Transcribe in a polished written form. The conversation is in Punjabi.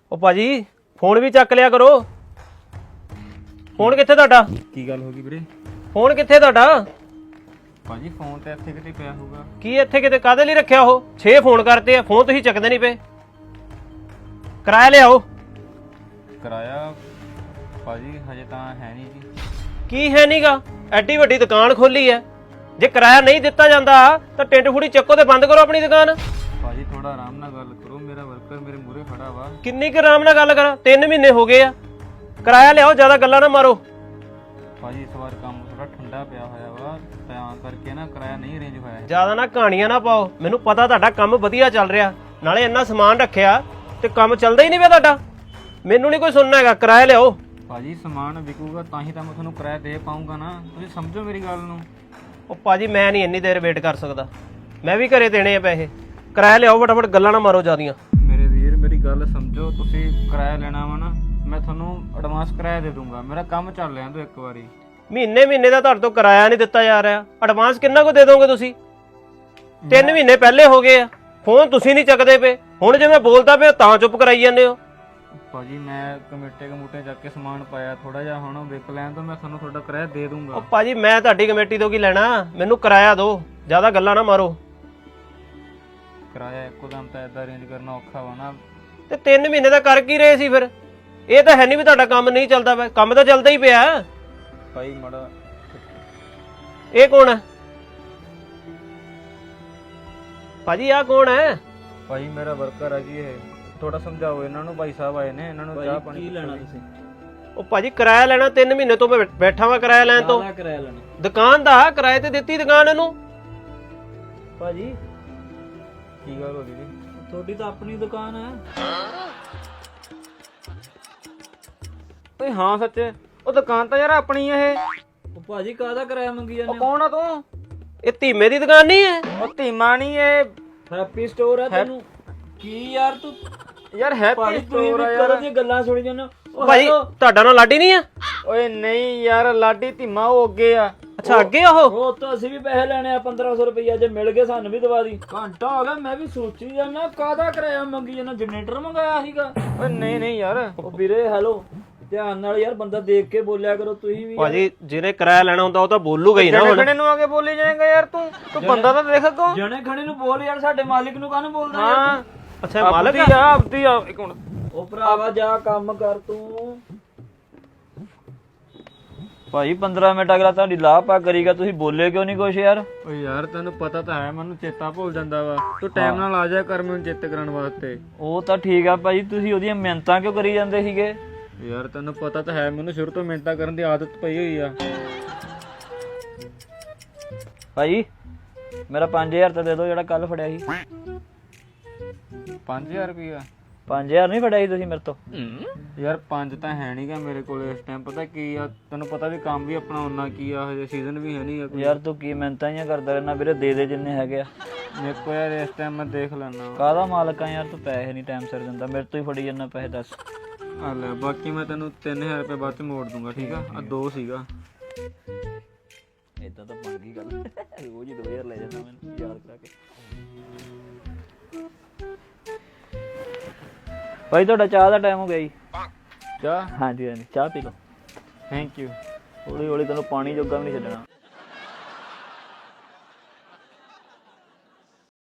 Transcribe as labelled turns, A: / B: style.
A: ਉਹ ਭਾਜੀ ਫੋਨ ਵੀ ਚੱਕ ਲਿਆ ਕਰੋ। ਫੋਨ ਕਿੱਥੇ ਤੁਹਾਡਾ?
B: ਕੀ ਗੱਲ ਹੋ ਗਈ ਵੀਰੇ?
A: ਫੋਨ ਕਿੱਥੇ ਤੁਹਾਡਾ?
B: ਭਾਜੀ ਫੋਨ ਤੇ ਇੱਥੇ ਕਿਤੇ ਪਿਆ ਹੋਊਗਾ।
A: ਕੀ ਇੱਥੇ ਕਿਤੇ ਕਾਹਦੇ ਲਈ ਰੱਖਿਆ? ਉਹ 6 ਫੋਨ ਕਰਤੇ ਆ, ਫੋਨ ਤੁਸੀਂ ਚੱਕਦੇ ਨਹੀਂ ਪਏ। ਕਿਰਾਇਆ ਲਿਆਓ।
B: ਕਿਰਾਇਆ ਭਾਜੀ ਹਜੇ ਤਾਂ ਹੈ ਨਹੀਂ ਜੀ।
A: ਕੀ ਹੈ ਨੀਗਾ? ਐਡੀ ਵੱਡੀ ਦੁਕਾਨ ਖੋਲੀ ਐ, ਜੇ ਕਿਰਾਇਆ ਨਹੀਂ ਦਿੱਤਾ ਜਾਂਦਾ ਤਾਂ ਟਿੰਡ ਫੁੜੀ ਚੱਕੋ ਤੇ ਬੰਦ ਕਰੋ ਆਪਣੀ ਦੁਕਾਨ।
B: ਭਾਜੀ ਥੋੜਾ ਆਰਾਮ ਨਾਲ ਗੱਲ ਕਰੋ, ਮੇਰਾ ਵਰਕਰ ਮੇਰੇ ਮੂਹਰੇ ਖੜਾ ਵਾ।
A: ਕਿੰਨੀ ਕੁ ਆਰਾਮ ਨਾਲ ਗੱਲ ਕਰਾਂ? 3 ਮਹੀਨੇ ਹੋ ਗਏ ਆ। ਕਿਰਾਇਆ ਲਿਆਓ, ਜ਼ਿਆਦਾ ਗੱਲਾਂ ਨਾ ਮਾਰੋ।
B: ਭਾਜੀ ਇਸ ਵਾਰ ਕੰਮ ਥੋੜਾ ਠੰਡਾ ਪਿਆ ਹੋਇਆ ਵਾ, ਤਾਂ ਕਰਕੇ ਨਾ ਕਿਰਾਇਆ ਨਹੀਂ ਅਰੇਂਜ ਹੋਇਆ।
A: ਜ਼ਿਆਦਾ ਨਾ ਕਹਾਣੀਆਂ ਨਾ ਪਾਓ, ਮੈਨੂੰ ਪਤਾ ਤੁਹਾਡਾ ਕੰਮ ਵਧੀਆ ਚੱਲ ਰਿਹਾ, ਨਾਲੇ ਇੰਨਾ ਸਮਾਨ ਰੱਖਿਆ ਤੇ ਕੰਮ ਚੱਲਦਾ ਹੀ ਨਹੀਂ ਪਿਆ ਤੁਹਾਡਾ। ਮੈਨੂੰ ਨਹੀਂ ਕੋਈ ਸੁਣਨਾ ਹੈਗਾ, ਕਿਰਾਇਆ ਲਿਆਓ।
B: ਭਾਜੀ ਸਮਾਨ ਵਿਕੂਗਾ ਤਾਂ ਹੀ ਤਾਂ ਮੈਂ ਤੁਹਾਨੂੰ ਕਿਰਾਇਆ ਦੇ ਪਾਊਂਗਾ ਨਾ, ਤੁਸੀਂ ਸਮਝੋ ਮੇਰੀ ਗੱਲ ਨੂੰ।
A: ਉਹ ਭਾਜੀ ਮੈਂ ਨਹੀਂ ਇੰਨੀ ਦੇਰ ਵੇਟ ਕਰ ਸਕਦਾ, ਮੈਂ ਵੀ ਘਰੇ ਦੇਣੇ ਆ ਪੈਸੇ। ਕਿਰਾਇਆ ਲਿਆਓ ਫਟਾਫਟ, ਗੱਲਾਂ ਨਾ ਮਾਰੋ ਜ਼ਿਆਦੀਆਂ।
B: ਮੇਰੇ ਵੀਰ ਮੇਰੀ ਗੱਲ ਸਮਝੋ, ਤੁਸੀਂ ਕਿਰਾਇਆ ਲੈਣਾ ਵਾ ਨਾ, ਮੈਂ ਤੁਹਾਨੂੰ ਐਡਵਾਂਸ ਕਿਰਾਇਆ ਦੇ ਦੂੰਗਾ। ਮੇਰਾ ਕੰਮ ਚੱਲ ਰਿਹਾ ਤੂੰ ਇੱਕ ਵਾਰੀ।
A: ਮਹੀਨੇ ਦਾ ਤੁਹਾਡੇ ਤੋਂ ਕਿਰਾਇਆ ਨਹੀਂ ਦਿੱਤਾ ਜਾ ਰਿਹਾ, ਐਡਵਾਂਸ ਕਿੰਨਾ ਕੁ ਦੇ ਦੋਗੇ ਤੁਸੀਂ? 3 ਮਹੀਨੇ ਪਹਿਲੇ ਹੋ ਗਏ ਆ, ਫੋਨ ਤੁਸੀਂ ਨਹੀਂ ਚੱਕਦੇ ਪਏ। ਹੁਣ ਜੇ ਮੈਂ ਬੋਲਦਾ ਪਿਆ ਤਾਂ ਚੁੱਪ ਕਰਾਈ ਜਾਂਦੇ ਹੋ।
B: ਭਾਜੀ ਮੈਂ ਕਮੇਟੇ ਜਾ ਕੇ ਸਮਾਨ ਪਾਇਆ ਥੋੜਾ ਜਿਹਾ, ਹੁਣ ਵਿਕ ਲੈਣ ਤੋਂ ਮੈਂ ਤੁਹਾਨੂੰ ਤੁਹਾਡਾ ਕਿਰਾਇਆ ਦੇ ਦੂੰਗਾ।
A: ਉਹ ਭਾਜੀ ਮੈਂ ਤੁਹਾਡੀ ਕਮੇਟੀ ਤੋਂ ਕੀ ਲੈਣਾ, ਮੈਨੂੰ ਕਿਰਾਇਆ ਦਿਓ, ਜ਼ਿਆਦਾ ਗੱਲਾਂ ਨਾ ਮਾਰੋ।
B: ਕਿਰਾਇਆ ਇੱਕੋ ਦਮ ਤਾਂ ਏਦਾਂ ਅਰੇਂਜ ਕਰਨਾ ਔਖਾ ਵਾ ਨਾ।
A: ਤੇ 3 ਮਹੀਨੇ ਦਾ ਕਰ ਕੀ ਰਹੇ ਸੀ ਫਿਰ? ਇਹ ਤਾਂ ਹੈ ਨਹੀਂ ਵੀ ਤੁਹਾਡਾ ਕੰਮ ਨਹੀਂ ਚੱਲਦਾ ਪਿਆ, ਕੰਮ ਤਾਂ ਚੱਲਦਾ ਹੀ ਪਿਆ।
B: ਭਾਈ ਮੜਾ
A: ਇਹ ਕੌਣ ਹੈ ਭਾਜੀ? ਆਹ ਕੌਣ ਹੈ?
B: ਭਾਈ ਮੇਰਾ ਵਰਕਰ ਆ ਜੀ, ਇਹ ਥੋੜਾ ਸਮਝਾਓ ਇਹਨਾਂ ਨੂੰ। ਭਾਈ ਸਾਹਿਬ ਆਏ ਨੇ, ਇਹਨਾਂ ਨੂੰ ਚਾਹ ਪਾਣੀ।
C: ਕੀ ਲੈਣਾ ਤੁਸੀਂ?
A: ਉਹ ਭਾਜੀ ਕਿਰਾਇਆ ਲੈਣਾ, 3 ਮਹੀਨੇ ਤੋਂ ਮੈਂ ਬੈਠਾ ਵਾਂ ਕਿਰਾਇਆ ਲੈਣ ਤੋਂ।
C: ਕਾਹਦਾ ਕਿਰਾਇਆ ਲੈਣਾ
A: ਦੁਕਾਨ ਦਾ ਕਿਰਾਏ ਤੇ ਦਿੱਤੀ ਦੁਕਾਨ ਇਹਨੂੰ।
C: ਭਾਜੀ?
B: ਕੀ ਗੱਲ ਹੋ ਗਈ ਜੀ?
C: ਤੁਹਾਡੀ ਤਾਂ ਆਪਣੀ ਦੁਕਾਨ ਹੈ।
B: ਓਏ ਹਾਂ ਸੱਚ, ਉਹ ਦੁਕਾਨ ਤਾਂ ਯਾਰ ਆਪਣੀ ਆ ਇਹ।
C: ਉਹ ਭਾਜੀ ਕਾਹਦਾ ਕਿਰਾਇਆ ਮੰਗੀ ਜਾਂਦੇ
B: ਉਹ ਕੌਣ ਆ ਤੂੰ?
A: ਇਹ ਧੀਮੇ ਦੀ ਦੁਕਾਨ ਨਹੀਂ ਹੈ?
B: ਉਹ ਧੀਮਾ ਨਹੀਂ, ਇਹ
C: ਹੈਪੀ ਸਟੋਰ ਹੈ ਤੈਨੂੰ। ਕੀ ਯਾਰ ਤੂੰ
B: ਯਾਰ ਹੈਪੀ
C: ਭਾਜੀ
B: ਸਟੋਰ ਆ
C: ਤੁਸੀਂ
B: ਯਾਰ।
C: ਕਦੋਂ ਦੀਆਂ ਗੱਲਾਂ ਸੁਣੀ ਜਾਂਦੇ ਹੋ?
A: ਭਾਜੀ ਤੁਹਾਡਾ ਨਾਲ ਲਾਡੀ ਨਹੀਂ ਆ?
B: ਓਏ ਨਹੀਂ ਯਾਰ, ਲਾਡੀ ਧੀਮਾ ਉਹ ਅੱਗੇ ਆ।
A: ਅੱਛਾ ਅੱਗੇ ਉਹ।
C: ਉਹ ਤਾਂ ਅਸੀਂ ਵੀ ਪੈਸੇ ਲੈਣੇ ਆ 1500 ਰੁਪਈਆ, ਜੇ ਮਿਲ ਗਏ ਸਾਨੂੰ ਵੀ ਦਵਾ ਦੀ। ਘੰਟਾ ਹੋ ਗਿਆ ਮੈਂ ਵੀ ਸੋਚੀ ਜਾਂਦਾ ਕਾਹਦਾ ਕਿਰਾਇਆ ਮੰਗੀ ਜਾਂਦਾ। ਜਨਰੇਟਰ ਮੰਗਾਇਆ ਸੀਗਾ।
B: ਓਏ ਨਹੀਂ ਯਾਰ।
C: ਉਹ ਵੀਰੇ ਹੈਲੋ, ਧਿਆਨ ਨਾਲ ਯਾਰ ਬੰਦਾ ਦੇਖ ਕੇ ਬੋਲਿਆ ਕਰੋ ਤੁਸੀਂ ਵੀ।
A: ਭਾਜੀ ਜਿਹਨੇ ਕਿਰਾਇਆ ਲੈਣਾ ਹੁੰਦਾ ਉਹ ਤਾਂ ਬੋਲੂਗਾ ਹੀ ਨਾ। ਹੁਣ
B: ਜਣੇ ਨੂੰ ਆ ਕੇ ਬੋਲੀ ਜਾਏਗਾ ਯਾਰ ਤੂੰ ਬੰਦਾ ਤਾਂ ਦੇਖ ਕੋ।
C: ਜਣੇ ਖਣੇ ਨੂੰ ਬੋਲ ਯਾਰ, ਸਾਡੇ ਮਾਲਿਕ ਨੂੰ ਕਾਹਨੂੰ ਬੋਲਦਾ
B: ਹਾਂ
C: ਯਾਰ?
A: ਅੱਛਾ ਮਾਲਕ ਆ?
B: ਆਪਦੀ ਆ ਇੱਕ ਮਿੰਟ।
C: ਉਹ ਭਰਾਵਾ ਜਾ ਕੰਮ ਕਰ ਤੂੰ। ਭਾਈ 15 ਮਿੰਟ ਅਗਲਾ ਤੁਹਾਡੀ ਲਾਹ ਪਾ ਕਰੀਗਾ, ਤੁਸੀਂ ਬੋਲੇ ਕਿਉਂ ਨਹੀਂ ਕੁਛ ਯਾਰ?
B: ਓਏ ਯਾਰ ਤੈਨੂੰ ਪਤਾ ਤਾਂ ਹੈ, ਮੈਨੂੰ ਚੇਤਾ ਭੁੱਲ ਜਾਂਦਾ ਵਾ। ਤੂੰ ਟਾਈਮ ਨਾਲ ਆ ਜਾ ਕਰ ਮੈਨੂੰ ਚੇਤੇ ਕਰਾਉਣ ਵਾਸਤੇ।
C: ਉਹ ਤਾਂ ਠੀਕ ਆ ਭਾਈ, ਤੁਸੀਂ ਉਹਦੀਆਂ ਮਿਹਨਤਾਂ ਕਿਉਂ ਕਰੀ ਜਾਂਦੇ ਸੀਗੇ?
B: ਯਾਰ ਤੈਨੂੰ ਪਤਾ ਤਾਂ ਹੈ, ਮੈਨੂੰ ਸ਼ੁਰੂ ਤੋਂ ਮਿਹਨਤਾਂ ਕਰਨ ਦੀ ਆਦਤ ਪਈ ਹੋਈ ਆ।
C: ਭਾਈ ਮੇਰਾ 5000 ਤਾਂ ਦੇ ਦਿਓ ਜਿਹੜਾ ਕੱਲ ਫੜਿਆ ਸੀ।
B: 5000 ਰੁਪਇਆ?
C: 5000 ਨਹੀਂ ਫੜਿਆ ਸੀ ਤੁਸੀਂ ਮੇਰੇ ਤੋਂ?
B: ਯਾਰ 5 ਤਾਂ ਹੈ ਨਹੀਂਗਾ ਮੇਰੇ ਕੋਲ ਇਸ ਟਾਈਮ। ਪਤਾ ਕੀ ਆ, ਤੈਨੂੰ ਪਤਾ ਵੀ ਕੰਮ ਵੀ ਆਪਣਾ ਉਹਨਾਂ ਕੀ ਆ, ਹਜੇ ਸੀਜ਼ਨ ਵੀ ਹੈ ਨਹੀਂ।
C: ਯਾਰ ਤੂੰ ਕੀ ਮਿਹਨਤਾਂ ਹੀ ਕਰਦਾ ਰਹਿਣਾ ਵੀਰੇ, ਦੇ ਜਿੰਨੇ ਹੈਗੇ ਆ।
B: ਮੇਰੇ ਕੋਲ ਯਾਰ ਇਸ ਟਾਈਮ ਮੈਂ ਦੇਖ ਲੈਣਾ।
C: ਕਾਹਦਾ ਮਾਲਕ ਆ ਯਾਰ ਤੂੰ, ਪੈਸੇ ਨਹੀਂ ਟਾਈਮ ਸਿਰ ਦਿੰਦਾ, ਮੇਰੇ ਤੋਂ ਹੀ ਫੜੀ ਜਾਂਦਾ ਪੈਸੇ। ਦੱਸ
B: ਆ ਲੈ, ਬਾਕੀ ਮੈਂ ਤੈਨੂੰ 3000 ਰੁਪਏ ਬਾਅਦ ਚ ਮੋੜ ਦੂੰਗਾ, ਠੀਕ ਆ? ਆ 2 ਸੀਗਾ।
C: ਏਦਾਂ ਤਾਂ ਬਣ ਗਈ ਗੱਲ। ਰੋਜ਼ ਹੀ 2000 ਲੈ ਜਾਂਦਾ ਮੈਨੂੰ ਯਾਦ ਕਰਾ ਕੇ। ਭਾਈ ਤੁਹਾਡਾ ਚਾਹ ਦਾ ਟਾਈਮ ਹੋ ਗਿਆ ਜੀ।
B: ਚਾਹ?
C: ਹਾਂਜੀ ਚਾਹ ਪੀ ਲਓ।
B: Thank you.
C: ਹੌਲੀ ਹੌਲੀ ਤੈਨੂੰ ਪਾਣੀ ਜੋਗਾ ਵੀ ਨਹੀਂ ਛੱਡਣਾ।